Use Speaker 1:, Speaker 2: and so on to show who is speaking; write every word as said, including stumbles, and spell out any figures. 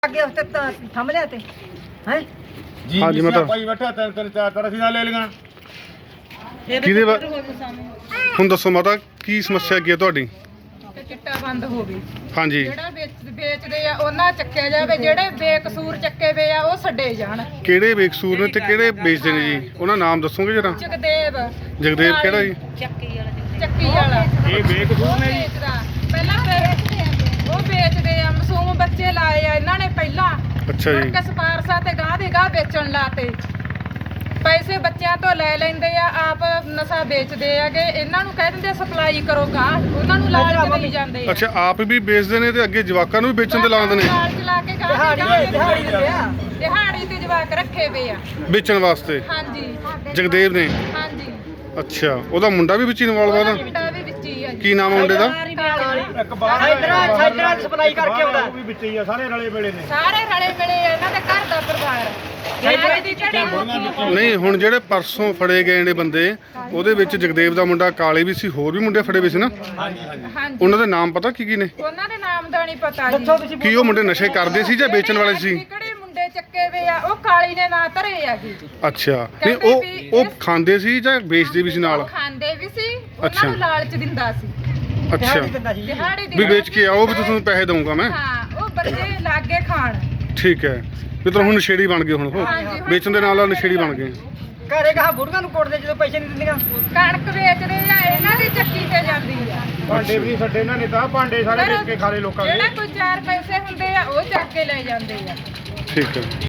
Speaker 1: ਅੱਗੇ ਉੱਤੇ ਥੰਮ ਲਿਆ ਤੇ ਹੈ
Speaker 2: ਜੀ
Speaker 3: ਹਾਂਜੀ, ਮੈਂ ਤਾਂ-
Speaker 2: ਭਾਈ ਬੈਠਾ ਤਿੰਨ ਤਿੰਨ ਚਾਰ ਚਾਰ ਅਸੀਂ ਨਾਲ ਲੈ ਲਈਆਂ।
Speaker 3: ਕਿਹਦੇ ਵਾ- ਹੁਣ ਦੱਸੋ ਮਾਤਾ ਕੀ ਸਮੱਸਿਆ ਕੀ ਹੈ ਤੁਹਾਡੀ?
Speaker 4: ਤੇ ਚਿੱਟਾ ਬੰਦ ਹੋਵੇ।
Speaker 3: ਹਾਂਜੀ,
Speaker 4: ਜਿਹੜਾ ਵੇਚ- ਵੇਚਦੇ ਆ ਉਹਨਾਂ ਚੱਕਿਆ ਜਾਵੇ, ਜਿਹੜੇ ਬੇਕਸੂਰ ਚੱਕੇ ਵੇ ਆ ਉਹ ਛੱਡੇ ਜਾਣ।
Speaker 3: ਕਿਹੜੇ ਬੇਕਸੂਰ ਨੇ ਤੇ ਕਿਹੜੇ ਵੇਚਦੇ ਨੇ ਜੀ? ਉਹਨਾਂ ਨਾਮ ਦੱਸੋਗੇ ਜਰਾ?
Speaker 4: ਜਗਦੇਵ
Speaker 3: ਜਗਦੇਵ ਕਿਹੜਾ ਜੀ?
Speaker 4: ਚੱਕੀ ਵਾਲਾ
Speaker 2: ਇਹ ਬੇਕਸੂਰ ਨੇ ਜੀ।
Speaker 4: ਵੇਚਦਾ ਪਹਿਲਾਂ ਫਿਰ ਉਹ ਵੇਚਦੇ ਆ, ਮਾਸੂਮ ਬੱਚੇ ਲਾਏ ਆ ਇਹਨਾਂ ਨੇ ਪਹਿਲਾਂ।
Speaker 3: ਅੱਛਾ
Speaker 4: ਮੁੜ
Speaker 3: ਜੀ,
Speaker 4: ਕੇ ਸਪਾਰਸਾ ਤੇ ਗਾਹ ਦੇ ਗਾਹ ਵੇਚਣ ਲਾਤੇ। ਪੈਸੇ ਬੱਚਿਆਂ ਤੋਂ ਲੈ ਲੈਂਦੇ ਆ, ਆਪ ਨਸ਼ਾ ਵੇਚਦੇ ਆਗੇ। ਇਹਨਾਂ ਨੂੰ ਕਹਿ ਦਿੰਦੇ ਸਪਲਾਈ ਕਰੋ ਗਾਹ, ਉਹਨਾਂ ਨੂੰ ਲਾਲਚ ਦੇਈ ਜਾਂਦੇ ਆ।
Speaker 3: ਅੱਛਾ ਆਪ ਵੀ ਵੇਚਦੇ ਨੇ ਤੇ ਅੱਗੇ ਜਵਾਕਾਂ ਨੂੰ ਵੀ ਵੇਚਣ ਤੇ ਲਾਉਂਦੇ ਨੇ
Speaker 4: ਲਾਲਚ ਲਾ ਕੇ ਗਾਹ
Speaker 1: ਦਿਹਾੜੀ
Speaker 4: ਦੇ ਗਾਹ
Speaker 1: ਦਿਹਾੜੀ ਦਿੰਦੇ ਆ।
Speaker 4: ਦਿਹਾੜੀ ਤੇ ਜਵਾਕ ਰੱਖੇ ਵੇ ਆ।
Speaker 3: ਵੇਚਣ ਵਾਸਤੇ।
Speaker 4: ਹਾਂਜੀ
Speaker 3: ਜਗਦੇਵ ਨੇ?
Speaker 4: ਹਾਂਜੀ,
Speaker 3: ਅੱਛਾ, ਉਹਦਾ ਮੁੰਡਾ ਵੀ ਵਿੱਚ ਇਨਵੋਲਵ
Speaker 4: ਉਹਦਾ
Speaker 3: ਉਹਦਾ?
Speaker 4: ਮੁੰਡਾ ਵੀ ਵਿੱਚ ਹੀ ਆ ਜੀ।
Speaker 3: ਕੀ ਨਾਮ ਹੈ ਮੁੰਡੇ ਦਾ?
Speaker 2: ਇੱਕ ਬਾਹਰ
Speaker 1: ਸਾਈਡਰਾਂ- ਸਾਈਡਰਾਂ ਦੀ ਸਪਲਾਈ ਕਰਕੇ ਆਉਂਦਾ।
Speaker 2: ਉਹ ਵੀ ਵਿੱਚ ਹੀ ਆ, ਸਾਰੇ ਰਲੇ ਵੇਲੇ ਨੇ।
Speaker 4: ਸਾਰੇ ਰਲੇ ਮਿਲੇ ਆ, ਇਹਨਾਂ ਦੇ ਘਰ ਦਾ ਪਰਿਵਾਰ। ਸਾਰੇ ਦੀ ਝੜੀ
Speaker 3: ਨਹੀਂ, ਹੁਣ ਜਿਹੜੇ ਪਰਸੋਂ ਫੜੇ ਗਏ ਨੇ ਬੰਦੇ, ਉਹਦੇ ਵਿੱਚ ਜਗਦੇਵ ਦਾ ਮੁੰਡਾ ਕਾਲੇ ਵੀ ਸੀ, ਹੋਰ ਵੀ ਮੁੰਡੇ ਫੜੇ ਹੋਏ ਸੀ ਨਾ?
Speaker 2: ਹਾਂਜੀ ਹਾਂਜੀ
Speaker 4: ਹਾਂਜੀ,
Speaker 3: ਉਹਨਾਂ ਦੇ ਨਾਮ ਪਤਾ ਕੀ ਕੀ ਨੇ?
Speaker 4: ਉਹਨਾਂ ਦੇ ਨਾਮ ਦਾ ਨਹੀਂ ਪਤਾ ਜੀ।
Speaker 1: ਦੱਸੋ ਤੁਸੀਂ
Speaker 3: ਕੀ ਉਹ ਮੁੰਡੇ ਨਸ਼ੇ ਕਰਦੇ ਸੀ ਜਾਂ ਵੇਚਣ ਵਾਲੇ ਸੀ?
Speaker 4: ਕਿਹੜੇ ਮੁੰਡੇ ਚੱਕੇ ਵੇ ਆ, ਉਹ ਕਾਲੀ ਨੇ ਨਾਂ ਧਰੇ ਆ ਜੀ।
Speaker 3: ਅੱਛਾ, ਨਹੀਂ ਉਹ ਉਹ ਖਾਂਦੇ ਸੀ ਜਾਂ ਵੇਚਦੇ ਵੀ ਸੀ ਨਾਲ?
Speaker 4: ਉਹ ਖਾਂਦੇ ਵੀ ਸੀ, ਉਹਨਾਂ
Speaker 3: ਅੱਛਾ।
Speaker 4: ਨੂੰ ਲਾਲਚ ਦਿੰਦਾ ਸੀ।
Speaker 3: ਅੱਛਾ,
Speaker 1: ਦਿਹਾੜੀ ਦਿੰਦਾ ਸੀ।
Speaker 4: ਦਿਹਾੜੀ ਦੀ
Speaker 3: ਵੀ ਵੇਚ ਕੇ ਆਓ ਵੀ ਤੁਹਾਨੂੰ ਪੈਸੇ ਦਊਂਗਾ ਮੈਂ।
Speaker 4: ਹਾਂ, ਉਹ ਬੱਚੇ ਲਾਗੇ ਖਾਣ।
Speaker 3: ਠੀਕ ਹੈ, ਵੀ ਤਾਂ ਹੁਣ ਨਸ਼ੇੜੀ ਬਣ ਗਏ ਹੁਣ ਉਹ,
Speaker 4: ਹਾਂਜੀ, ਹੁਣ
Speaker 3: ਵੇਚਣ ਦੇ ਨਾਲ ਨਾਲ ਨਸ਼ੇੜੀ ਬਣ ਗਏ।
Speaker 1: ਘਰੇ ਕਹਾ ਬੁੜੀਆਂ ਨੂੰ ਕੋਟਦੇ ਜਦੋਂ ਪੈਸੇ ਨਹੀਂ ਦਿੰਦੀਆਂ।
Speaker 4: ਕਣਕ ਵੇਚਦੇ ਆ, ਇਹਨਾਂ ਦੀ ਚੱਕੀ ਤੇ ਜਾਂਦੀ ਆ।
Speaker 2: ਭਾਂਡੇ ਵੀ ਨੀ ਛੱਡੇ ਇਹਨਾਂ ਨੇ ਤਾਂ, ਭਾਂਡੇ ਸਾਰੇ ਵੇਚ ਕੇ ਖਾ ਲਏ ਲੋਕਾਂ ਦੇ।
Speaker 4: ਜਿਹੜਾ ਕੋਈ ਚਾਰ ਪੈਸੇ ਹੁੰਦੇ ਆ ਉਹ ਚੱਕ ਕੇ ਲੈ ਜਾਂਦੇ ਆ।
Speaker 3: ਠੀਕ ਹੈ।